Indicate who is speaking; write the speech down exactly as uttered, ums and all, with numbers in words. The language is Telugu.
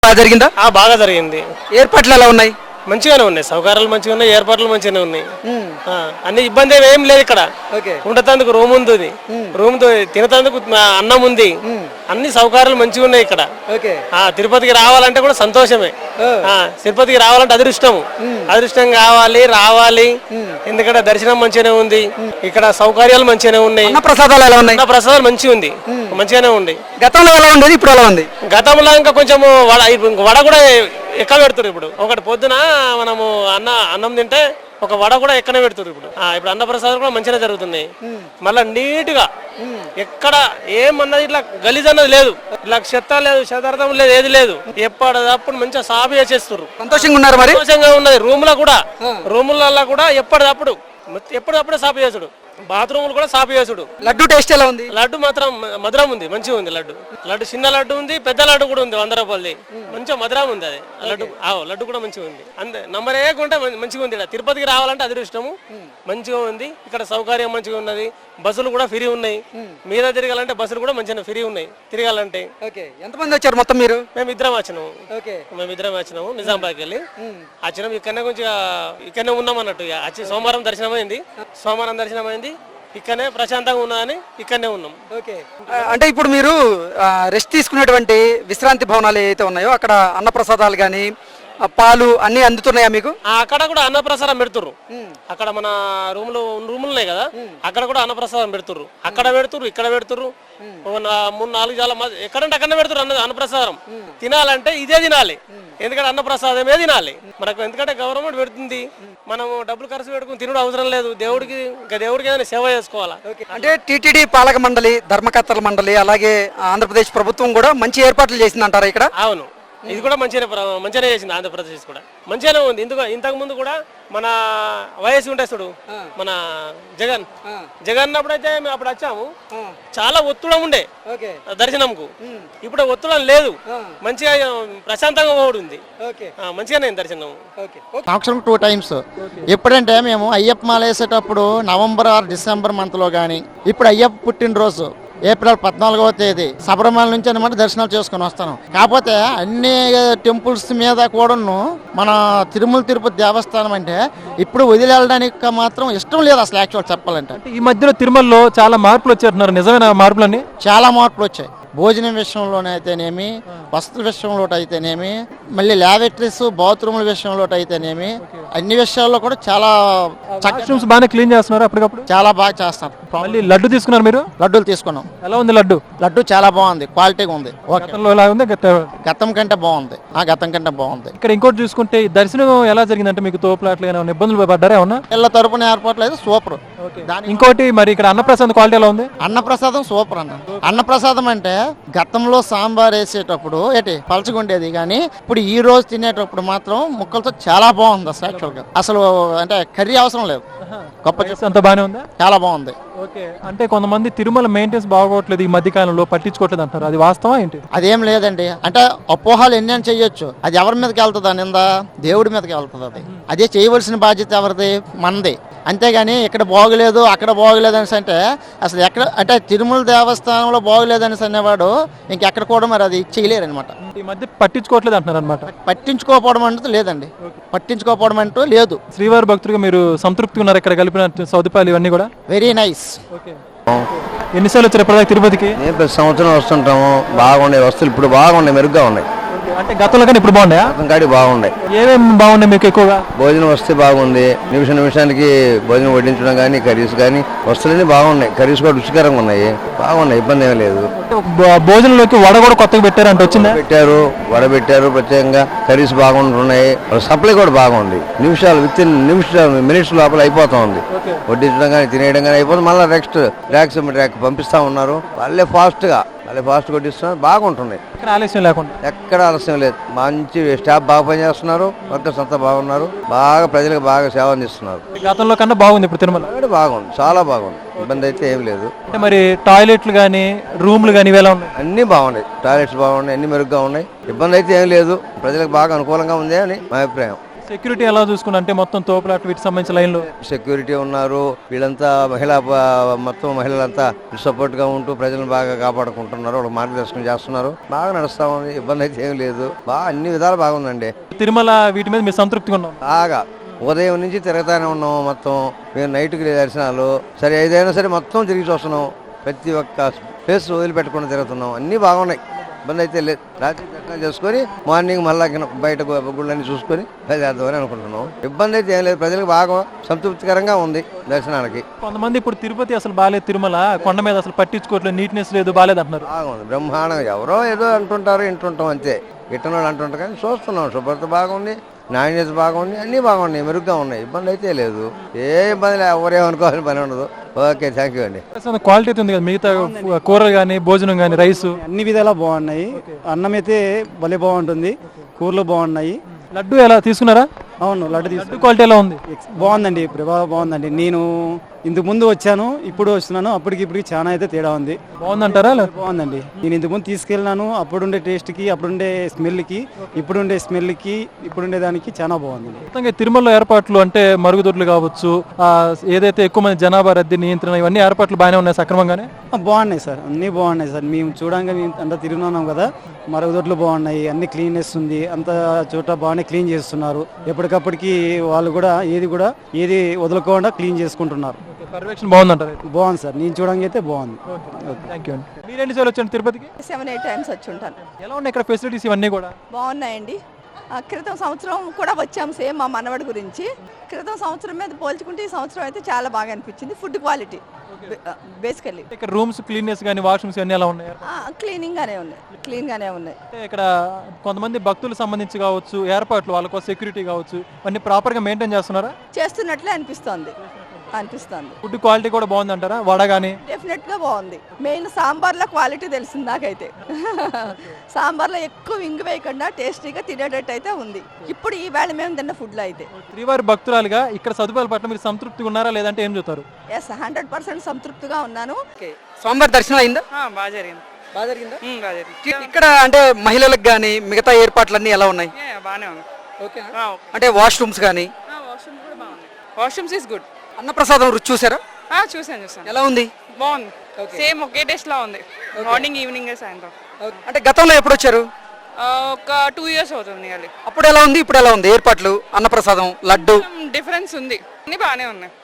Speaker 1: బాగా జరిగిందా?
Speaker 2: బాగా జరిగింది.
Speaker 1: ఏర్పాట్లు ఎలా ఉన్నాయి?
Speaker 2: మంచిగానే ఉన్నాయి, సౌకర్యాలు మంచిగా ఉన్నాయి, ఏర్పాట్లు మంచిగానే ఉన్నాయి. అన్ని ఇబ్బంది ఏం లేదు ఇక్కడ. ఉండేందుకు రూమ్ ఉంది, రూమ్ తినతందుకు అన్నం ఉంది, అన్ని సౌకర్యాలు మంచిగా ఉన్నాయి ఇక్కడ. తిరుపతికి రావాలంటే కూడా సంతోషమే. తిరుపతికి రావాలంటే అదృష్టం, అదృష్టం కావాలి, రావాలి. ఎందుకంటే దర్శనం మంచిగానే ఉంది, ఇక్కడ సౌకర్యాలు మంచిగానే ఉన్నాయి.
Speaker 1: ప్రసాదాలు ఎలా ఉన్నాయి?
Speaker 2: ప్రసాదాలు మంచిగా ఉంది, మంచిగానే ఉంది.
Speaker 1: గతంలో ఎలా ఉండేది, ఇప్పుడు ఎలా ఉంది?
Speaker 2: గతంలో ఇంకా కొంచెం వడ వడ కూడా ఎక్క పెడుతున్నారు. ఇప్పుడు ఒకటి పొద్దున మనము అన్న అన్నం తింటే ఒక వడ కూడా ఎక్కనే పెడుతున్నారు. ఇప్పుడు ఇప్పుడు అన్నప్రసాదం కూడా మంచిగా జరుగుతున్నాయి. మళ్ళా నీట్ గా ఎక్కడ ఏమన్నది ఇట్లా గలీజ్ అన్నది లేదు, ఇట్లా చెత్త లేదు, శతార్థం లేదు, ఏది లేదు. ఎప్పటిదప్పుడు మంచిగా సాఫ్ చేసేస్తారు.
Speaker 1: సంతోషంగా ఉన్నారు మరి?
Speaker 2: సంతోషంగా ఉన్నది. రూమ్ లో కూడా రూములలో కూడా ఎప్పటిదప్పుడు ఎప్పటిదప్పుడే సాఫ్ చేసుడు, బాత్రూములు కూడా సాఫ్ చేసుడు.
Speaker 1: లడ్డు టేస్ట్ ఎలా ఉంది?
Speaker 2: లడ్డు మాత్రం మధురం ఉంది, మంచిగా ఉంది. లడ్డు లడ్డు చిన్న లడ్డు ఉంది, పెద్ద లడ్డు కూడా ఉంది, వంద రూపాయలది. మంచిగా మధురం ఉంది అది లడ్డు. లడ్డు కూడా మంచిగా ఉంది. అంతే నంబర్ ఏకుంటే మంచిగా ఉంది. తిరుపతికి రావాలంటే అదృష్టము, మంచిగా ఉంది. ఇక్కడ సౌకర్యం మంచిగా ఉన్నది. బస్సులు కూడా ఫ్రీ ఉన్నాయి. మీద తిరగాలంటే బస్సులు కూడా మంచిగా ఫ్రీ ఉన్నాయి తిరగాలంటే.
Speaker 1: ఎంతమంది వచ్చారు మొత్తం మీరు?
Speaker 2: మేము ఇద్దరం వచ్చినాము, మేము ఇద్దరం వచ్చినాము. నిజామాబాద్కి వెళ్ళి వచ్చినాము. ఇక్కడనే కొంచెం ఇక్కడనే ఉన్నాం అన్నట్టు. వచ్చి సోమవారం దర్శనం అయింది, సోమవారం దర్శనం అయింది. ఇక్కడనే ప్రశాంతంగా ఉన్నదని ఇక్కడనే ఉన్నాం.
Speaker 1: అంటే ఇప్పుడు మీరు రెస్ట్ తీసుకునేటువంటి విశ్రాంతి భవనాలు ఏవైతే ఉన్నాయో అక్కడ అన్నప్రసాదాలు కానీ పాలు అన్ని అందుతున్నాయా మీకు?
Speaker 2: అక్కడ కూడా అన్నప్రసాదం పెడుతుర్రు. అక్కడ మన రూమ్ లో రూములు ఉన్నాయి కదా, అక్కడ కూడా అన్నప్రసాదం పెడుతుర్రు. అక్కడ పెడుతుర్రు, ఇక్కడ పెడుతుర్రు. మూడు నాలుగు చాలా ఎక్కడంటే అక్కడనే పెడుతుర్రు అన్నది అన్నప్రసాదం. తినాలంటే ఇదే తినాలి, ఎందుకంటే అన్నప్రసాదమే తినాలి మనకు. ఎందుకంటే గవర్నమెంట్ పెడుతుంది, మనం డబ్బులు ఖర్చు పెట్టుకుని తినడం అవసరం లేదు. దేవుడికి ఇంకా దేవుడికి ఏదైనా సేవ చేసుకోవాలా.
Speaker 1: అంటే టీటీడీ పాలక మండలి, ధర్మకర్తల మండలి, అలాగే ఆంధ్రప్రదేశ్ ప్రభుత్వం కూడా మంచి ఏర్పాట్లు చేసిందంటారా ఇక్కడ?
Speaker 2: అవును, ఇది కూడా మంచిగా మంచిగానే చేసింది. ఆంధ్రప్రదేశ్ కూడా మంచిగానే ఉంది. ఇందుకు ఇంతకు ముందు కూడా మన వయసు ఉంటాయి చూడు, మన జగన్ జగన్ అప్పుడైతే మేము అప్పుడు వచ్చాము, చాలా ఒత్తిడం ఉండే దర్శనంకు. ఇప్పుడు ఒత్తిడం లేదు, మంచిగా ప్రశాంతంగా ఉంది, మంచిగానే దర్శనం.
Speaker 3: సంవత్సరం టూ టైమ్స్. ఎప్పుడంటే మేము అయ్యప్ప మాల వేసేటప్పుడు నవంబర్ ఆర్ డిసెంబర్ మంత్ లో గానీ, ఇప్పుడు అయ్యప్ప పుట్టినరోజు ఏప్రిల్ పద్నాలుగవ తేదీ శబరిమల నుంచి అనమాట దర్శనాలు చేసుకుని వస్తాను. కాకపోతే అన్ని టెంపుల్స్ మీద కూడాను మన తిరుమల తిరుపతి దేవస్థానం అంటే ఇప్పుడు వదిలి వెళ్ళడానికి మాత్రం ఇష్టం లేదు అసలు. యాక్చువల్ చెప్పాలంటే
Speaker 4: ఈ మధ్యలో తిరుమలలో చాలా మార్పులు వచ్చారు, నిజమైన మార్పులన్నీ?
Speaker 3: చాలా మార్పులు వచ్చాయి. భోజనం విషయంలోనే అయితేనేమి, వస్తువుల విషయంలో అయితేనేమి, మళ్ళీ ల్యాబొరేటరీస్ బాత్రూముల విషయంలో అయితేనేమి, అన్ని విషయాల్లో కూడా చాలా
Speaker 4: వాష్రూమ్స్ బాగానే క్లీన్ చేస్తున్నారు అప్పటికప్పుడు.
Speaker 3: చాలా బాగా చేస్తారు.
Speaker 4: మళ్ళీ లడ్డు తీసుకున్నారు మీరు?
Speaker 3: లడ్డూలు తీసుకున్నాం.
Speaker 4: ఎలా ఉంది లడ్డు?
Speaker 3: లడ్డు చాలా బాగుంది, క్వాలిటీగా ఉంది. గతం కంటే బాగుంది, ఆ గతం కంటే బాగుంది.
Speaker 4: ఇక్కడ ఇంకోటి చూసుకుంటే దర్శనం ఎలా జరిగిందంటే మీకు తోపులాట్లు ఏమైనా ఇబ్బందులు పడ్డారా? ఏమన్నా
Speaker 3: పిల్ల తరపున ఏర్పాట్లు అయితే సూపర్.
Speaker 4: ఇంకోటి మరి ఇక్కడ అన్నప్రసాదం క్వాలిటీ ఎలా ఉంది?
Speaker 3: అన్నప్రసాదం సూపర్ అన్న. అన్నప్రసాదం అంటే గతంలో సాంబార్ వేసేటప్పుడు ఏంటి పలచగుండేది, కానీ ఇప్పుడు ఈ రోజు తినేటప్పుడు మాత్రం ముక్కలతో చాలా బాగుంది అసలు. యాక్చువల్ గా అసలు అంటే కర్రీ అవసరం లేదు, గొప్ప
Speaker 4: అంత బాగానే ఉందా?
Speaker 3: చాలా బాగుంది.
Speaker 4: ఓకే, అంటే కొంతమంది తిరుమల మెయింటెన్స్ బాగోట్లేదు ఈ మధ్య కాలంలో, పట్టించుకోవట్లేదు అంటారు, అది వాస్తవం ఏంటి?
Speaker 3: అదేం లేదండి. అంటే అపోహాలు ఎన్ని అని చెయ్యొచ్చు, అది ఎవరి మీదకి వెళ్తుంది నింద? దేవుడి మీదకి వెళ్తుంది. అది అదే చేయవలసిన బాధ్యత ఎవరిది? మనది. అంతేగాని ఇక్కడ బాగోలేదు అక్కడ బాగోలేదు అనేసి అంటే అసలు ఎక్కడ అంటే తిరుమల దేవస్థానంలో బాగోలేదు అనేసి అనేవాడు ఇంకెక్కడ కూడా మరి అది చేయలేరు అనమాట.
Speaker 4: ఈ మధ్య పట్టించుకోవట్లేదు అంటున్నారు అనమాట.
Speaker 3: పట్టించుకోకపోవడం అంటూ లేదండి, పట్టించుకోకపోవడం అంటూ లేదు.
Speaker 4: శ్రీవారి భక్తులుగా మీరు సంతృప్తిగా ఉన్నారు ఇక్కడ కలిపిన సౌకర్యాలు ఇవన్నీ కూడా?
Speaker 3: Very nice.
Speaker 4: ఎన్నిసార్లు వచ్చారు ప్రతి తిరుపతికి?
Speaker 5: మేము ప్రతి సంవత్సరం వస్తుంటాము. బాగున్నాయి వస్తువులు, ఇప్పుడు బాగున్నాయి, మెరుగ్గా ఉన్నాయి.
Speaker 4: అంటే గతంలో కానీ ఇప్పుడు బాగున్నాయా?
Speaker 5: కాడి బాగున్నాయి.
Speaker 4: ఏమేమి బాగున్నాయి మీకు ఎక్కువగా?
Speaker 5: భోజనం వస్తే బాగుంది, నిమిష నిమిషానికి భోజనం వడ్డించడం కానీ, కర్రీస్ కానీ వస్తువులన్నీ బాగున్నాయి. కర్రీస్ కూడా రుచికరంగా ఉన్నాయి, బాగున్నాయి, ఇబ్బంది ఏమీ లేదు.
Speaker 4: భోజనంలోకి వడ కూడా కొత్తగా పెట్టారు అంటే వచ్చిందా?
Speaker 5: పెట్టారు, వడ పెట్టారు ప్రత్యేకంగా. కర్రీస్ బాగుంటున్నాయి, సప్లై కూడా బాగుంది. నిమిషాలు విత్ ఇన్ నిమిషాలు మినిట్స్ లోపల అయిపోతా ఉంది. వడ్డించడం కానీ తినేయడం కానీ అయిపోతుంది. మళ్ళీ నెక్స్ట్ ర్యాక్స్ ర్యాక్ పంపిస్తా ఉన్నారు. వాళ్ళే ఫాస్ట్ గా వాళ్ళే ఫాస్ట్ కొట్టిస్తున్నారు, బాగుంటున్నాయి.
Speaker 4: ఆలస్యం లేకుండా
Speaker 5: ఎక్కడ ఆలస్యం లేదు. మంచి స్టాఫ్ బాగా పనిచేస్తున్నారు, వర్కర్స్ అంతా బాగున్నారు, బాగా ప్రజలకు బాగా సేవ అందిస్తున్నారు.
Speaker 4: గతంలో కన్నా బాగుంది ఇప్పుడు తిరుమల?
Speaker 5: బాగుంది, చాలా బాగుంది, ఇబ్బంది అయితే ఏం లేదు.
Speaker 4: అంటే మరి టాయిలెట్లు కానీ రూమ్లు కానీ ఇవేలా ఉన్నాయి?
Speaker 5: అన్ని బాగున్నాయి, టాయిలెట్స్ బాగున్నాయి, అన్ని మెరుగ్గా ఉన్నాయి, ఇబ్బంది అయితే ఏం లేదు. ప్రజలకు బాగా అనుకూలంగా ఉంది అని మా అభిప్రాయం.
Speaker 4: సెక్యూరిటీ ఎలా చూసుకున్నా అంటే మొత్తం తోపులాట వీటికి సంబంధించిన లైన్లో
Speaker 5: సెక్యూరిటీ ఉన్నారు, వీళ్ళంతా మహిళా ప- మొత్తం మహిళలంతా సపోర్ట్ గా ఉంటూ ప్రజలను బాగా కాపాడుకుంటున్నారు, వాళ్ళకి మార్గదర్శనం చేస్తున్నారు. బాగా నడుస్తా ఉంది, ఇబ్బంది అయితే ఏం లేదు, బాగా అన్ని విధాలు బాగుందండి.
Speaker 4: తిరుమల వీటి మీద మీరు సంతృప్తిగా ఉన్నాం.
Speaker 5: బాగా ఉదయం నుంచి తిరగతానే ఉన్నాం. మొత్తం మేము నైట్కి దర్శనాలు సరే ఏదైనా సరే మొత్తం తిరిగి చూస్తున్నాం. ప్రతి ఒక్క ప్లేస్ వదిలిపెట్టకుండా తిరుగుతున్నాం. అన్నీ బాగున్నాయి, ఇబ్బంది అయితే లేదు. రాత్రి దర్శనం చేసుకొని మార్నింగ్ మళ్ళా బయట గుళ్ళని చూసుకొని బయలుదేరదామని అనుకుంటున్నాం. ఇబ్బంది అయితే ఏం లేదు, ప్రజలకు బాగా సంతృప్తికరంగా ఉంది దర్శనానికి.
Speaker 4: కొంతమంది ఇప్పుడు తిరుపతి అసలు బాగాలేదు, తిరుమల కొండ మీద అసలు పట్టించుకోవట్లేదు, నీట్నెస్ లేదు, బాగాలేదు అంటున్నారు.
Speaker 5: బాగుంది, బ్రహ్మాండంగా. ఎవరో ఏదో అంటుంటారు, వింటుంటాం అంతే, ఇట్టనోళ్ళు అంటుంటారు. కానీ చూస్తున్నాం, శుభ్రత బాగుంది, నాణ్యత బాగుంది, అన్నీ బాగున్నాయి, మెరుగ్గా ఉన్నాయి. ఇబ్బంది అయితే లేదు, ఏ ఇబ్బంది లేదు, ఎవరేమనుకోవాలని పని ఉండదు. ఓకే, థ్యాంక్ యూ అండి.
Speaker 4: క్వాలిటీ అయితే ఉంది కదా, మిగతా కూరలు కానీ భోజనం కానీ రైస్
Speaker 6: అన్ని విధాలా బాగున్నాయి. అన్నం అయితే భలే బాగుంటుంది, కూరలు బాగున్నాయి.
Speaker 4: లడ్డు ఎలా తీసుకున్నారా?
Speaker 6: అవును, లడ్డు
Speaker 4: లడ్డు
Speaker 6: తీసుకు
Speaker 4: క్వాలిటీ ఎలా ఉంది?
Speaker 6: బాగుందండి, ప్రభావం బాగుందండి. నేను ఇంతకు ముందు వచ్చాను, ఇప్పుడు వస్తున్నాను, అప్పటికి ఇప్పటికి చాలా అయితే తేడా ఉంది.
Speaker 4: బాగుందంటారా?
Speaker 6: బాగుందండి. నేను ఇంతకు ముందు తీసుకెళ్ళినాను, అప్పుడుండే టేస్ట్కి, అప్పుడుండే స్మెల్కి, ఇప్పుడుండే స్మెల్కి, ఇప్పుడుండే దానికి చాలా బాగుందండి.
Speaker 4: మొత్తంగా తిరుమలలో ఏర్పాట్లు అంటే మరుగుదొడ్లు కావచ్చు, ఆ, ఏదైతే ఎక్కువ మంది జనాభా రద్దీ నియంత్రణ, ఇవన్నీ ఏర్పాట్లు బాగానే ఉన్నాయి సక్రమంగానే.
Speaker 6: ఆ, బాగున్నాయి సార్, అన్నీ బాగున్నాయి సార్. మేము చూడంగా మేము అంతా తిరుగుతున్నాం కదా, మరుగుదొడ్లు బాగున్నాయి, అన్ని క్లీన్నెస్ ఉంది, అంత చోట బాగానే క్లీన్ చేస్తున్నారు. ఎప్పటికప్పటికి వాళ్ళు కూడా ఏది కూడా ఏది వదులుకోకుండా క్లీన్ చేసుకుంటున్నారు.
Speaker 4: పర్యవేక్షణ బాగుందంటారు.
Speaker 6: బాగుంది సార్, నేను చూడంగా అయితే బాగుంది.
Speaker 4: థ్యాంక్ యూ అండి. మీరేంటి సార్ వచ్చాను తిరుపతికి?
Speaker 7: సెవెన్ ఎయిట్ టైమ్స్ వచ్చి ఉంటాను.
Speaker 4: ఎలా ఉన్నాయి ఇక్కడ ఫెసిలిటీస్ ఇవన్నీ కూడా?
Speaker 7: బాగున్నాయండి. ఆ, క్రితం సంవత్సరం కూడా వచ్చాం సేమ్ మా మనవడి గురించి. క్రితం సంవత్సరం మీద పోల్చుకుంటే ఈ సంవత్సరం అయితే చాలా బాగా అనిపించింది. ఫుడ్ క్వాలిటీ బేసికల్లీ
Speaker 4: ఇక్కడ రూమ్స్ క్లీన్నెస్ కానీ వాష్రూమ్స్ అన్నీ ఎలా ఉన్నాయి?
Speaker 7: క్లీనింగ్ గానే ఉన్నాయి, క్లీన్ గానే ఉన్నాయి.
Speaker 4: అంటే ఇక్కడ కొంతమంది భక్తులకు సంబంధించి కావచ్చు, ఏర్పాట్లు వాళ్ళకు సెక్యూరిటీ కావచ్చు, అన్ని ప్రాపర్ గా మెయింటైన్ చేస్తున్నారా?
Speaker 7: చేస్తున్నట్లే అనిపిస్తోంది అనిపిస్తుంది
Speaker 4: ఫుడ్ క్వాలిటీ కూడా బాగుంది అంటారా? వడ కానీ
Speaker 7: డెఫినెట్ గా బాగుంది. మెయిన్ సాంబార్లో క్వాలిటీ తెలిసింది నాకైతే. సాంబార్లో ఎక్కువ ఇంగు వేయకుండా టేస్టీగా తినేటట్టు అయితే ఉంది ఇప్పుడు ఈ వేళ మేము తిన్న ఫుడ్ లో అయితే.
Speaker 4: శ్రీవారి భక్తురాలుగా ఇక్కడ సదుపాయాల పట్ల మీరు సంతృప్తిగా ఉన్నారా లేదంటే ఏం చెప్తారు?
Speaker 7: ఎస్, హండ్రెడ్ పర్సెంట్ సంతృప్తిగా ఉన్నాను.
Speaker 1: స్వామివారి దర్శనం అయిందా?
Speaker 8: బాగా జరిగింది.
Speaker 1: బాగా జరిగిందా?
Speaker 8: ఉమ్, బాగా జరిగింది.
Speaker 1: ఇక్కడ అంటే మహిళలకు కానీ మిగతా ఏర్పాట్లన్నీ ఎలా ఉన్నాయి?
Speaker 8: ఏ, బాగానే ఉంది.
Speaker 1: ఓకే.
Speaker 8: ఆ,
Speaker 1: అంటే వాష్రూమ్స్ కానీ
Speaker 8: వాష్రూమ్ కూడా బాగుంది. Washrooms is good.
Speaker 1: అన్నప్రసాదం రుచి చూసారా?
Speaker 8: చూసాను చూసాను
Speaker 1: ఎలా ఉంది?
Speaker 8: బాగుంది. సేమ్ ఒకే టేస్ట్ లా ఉంది. మార్నింగ్ ఈవినింగ్ సాయంత్రం.
Speaker 1: అంటే గతంలో ఎప్పుడు వచ్చారు?
Speaker 8: ఆ, ఒక టూ ఇయర్స్ అవుతుంది. నియర్లీ
Speaker 1: అప్పుడు ఎలా ఉంది, ఇప్పుడు ఎలా ఉంది ఏర్పాట్లు? అన్నప్రసాదం, లడ్డు
Speaker 8: డిఫరెన్స్ ఉంది, అన్ని బాగానే ఉన్నాయి.